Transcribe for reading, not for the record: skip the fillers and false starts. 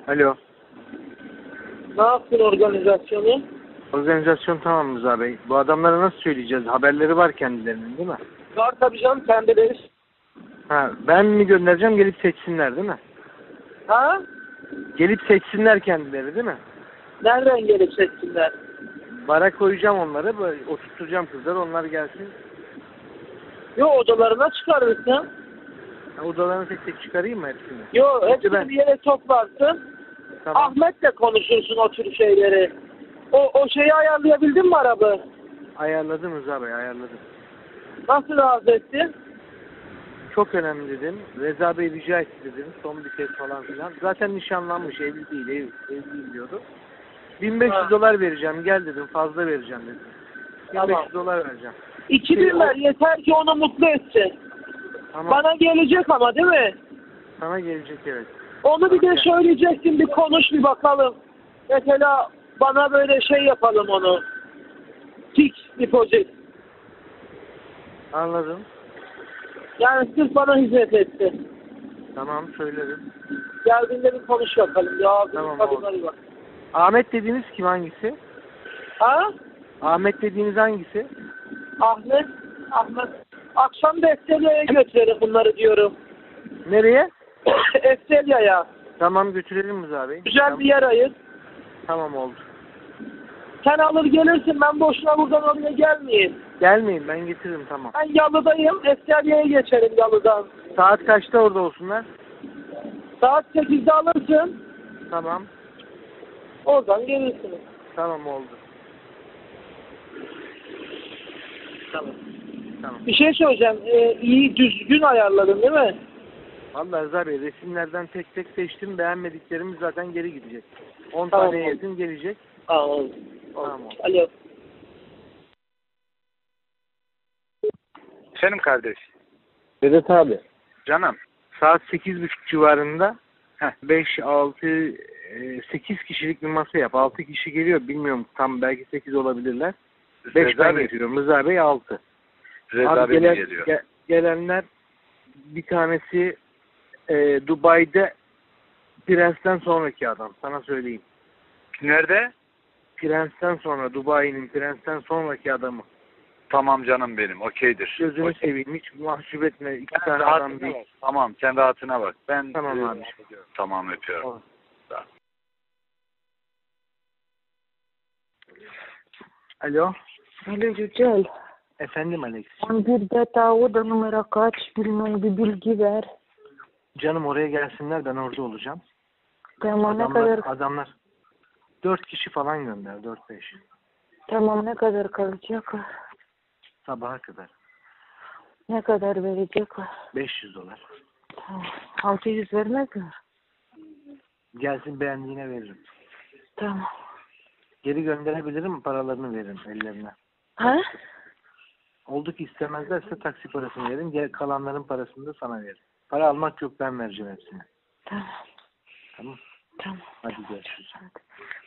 Alo. Ne yaptın organizasyonu? Organizasyon tamam Rıza Bey. Bu adamlara nasıl söyleyeceğiz? Haberleri var kendilerinin değil mi? Var tabii canım, kendileri. Ha, ben mi göndereceğim gelip seçsinler değil mi? Ha? Gelip seçsinler kendileri değil mi? Nereden gelip seçsinler? Bara koyacağım onları, böyle oturtacağım kızlar, onlar gelsin. Yo, odalarına çıkarırsın. Ha, odalarını tek tek çıkarayım mı hepsini? Yo, hepsini ben. bir yere toplarsın. Tamam. Ahmet'le konuşursun o tür şeyleri. O şeyi ayarlayabildin mi araba? Ayarladım Rıza Bey, ayarladım. Nasıl razı ettin? Çok önemli dedim. Reza Bey rica etti dedim. Son bir kez falan filan. Zaten nişanlanmış, evli değil, evliyim diyordu. 1500 dolar vereceğim, gel dedim, fazla vereceğim dedim. 1500 Tamam. dolar vereceğim. 2000 ver, yeter ki onu mutlu etsin. Tamam. Bana gelecek ama değil mi? Sana gelecek, evet. Onu bir de Tamam. söyleyeceksin, bir konuş, bir bakalım. Mesela bana böyle şey yapalım onu. Fix deposit. Anladım. Yani sırf bana hizmet etti. Tamam, söylerim. Geldiğinde bir konuş bakalım. Ya Tamam, kadınları bak. Ahmet dediğiniz kim, hangisi? Ha? Ahmet dediğiniz hangisi? Ahmet. Akşam da Estelya'ya götürelim bunları diyorum. Nereye? Estelya'ya. Tamam, götürelim Rıza Bey. Güzel Tamam. bir yer ayır. Tamam, oldu. Sen alır gelirsin, ben boşuna buradan oraya gelmeyeyim. Gelmeyin, ben getiririm, tamam. Ben Yalı'dayım, Estelya'ya geçerim Yalı'dan. Saat kaçta orada olsunlar? Saat 8'de alırsın, Tamam. oradan gelirsiniz. Tamam, oldu. Tamam. Tamam. Bir şey söyleyeceğim, iyi düzgün ayarladın değil mi? Vallahi Rıza Bey, resimlerden tek tek seçtim. Beğenmediklerimiz zaten geri gidecek. 10 Tamam, taneye oldu. yakın gelecek. Aa, oldu. Tamam. Alo. Senin kardeş. Vedat abi. Canım. Saat 8.30 civarında Heh. 5, 6, 8 kişilik bir masa yap. 6 kişi geliyor. Bilmiyorum, tam belki 8 olabilirler. 5 Reza ben Bey. getiriyorum. Rıza Bey 6. Reza Abi Bey geliyor. gelenler bir tanesi Dubai'de Prens'ten sonraki adam. Sana söyleyeyim. Nerede? Prens'ten sonra, Dubai'nin Prens'ten sonraki adamı. Tamam canım benim. Okeydir. Gözünü Okey. seveyim. Hiç mahcup etme. İki Sen tane adam rahatına değil. bak. Tamam. Sen rahatına bak. Ben Tamam abi. Tamam, öpüyorum. Tamam. Tamam. Alo. Alo Yücel, Efendim Alex. 11'de oda numara kaç bilmem bir bilgi ver. Canım, oraya gelsinler, ben orada olacağım. Tamam ne kadar Adamlar 4 kişi falan gönder, 4-5. tamam ne kadar kalacak? Sabaha kadar. Ne kadar verecek? 500 dolar. Tamam. 600 vermez mi? Gelsin, beğendiğine veririm. Tamam. Geri gönderebilirim, paralarını veririm ellerine. Ha? Oldu ki istemezlerse taksi parasını veririm. Kalanların parasını da sana veririm. Para almak yok, ben vereceğim hepsini. Tamam. Tamam. Tamam. Hadi görüşürüz. Hadi.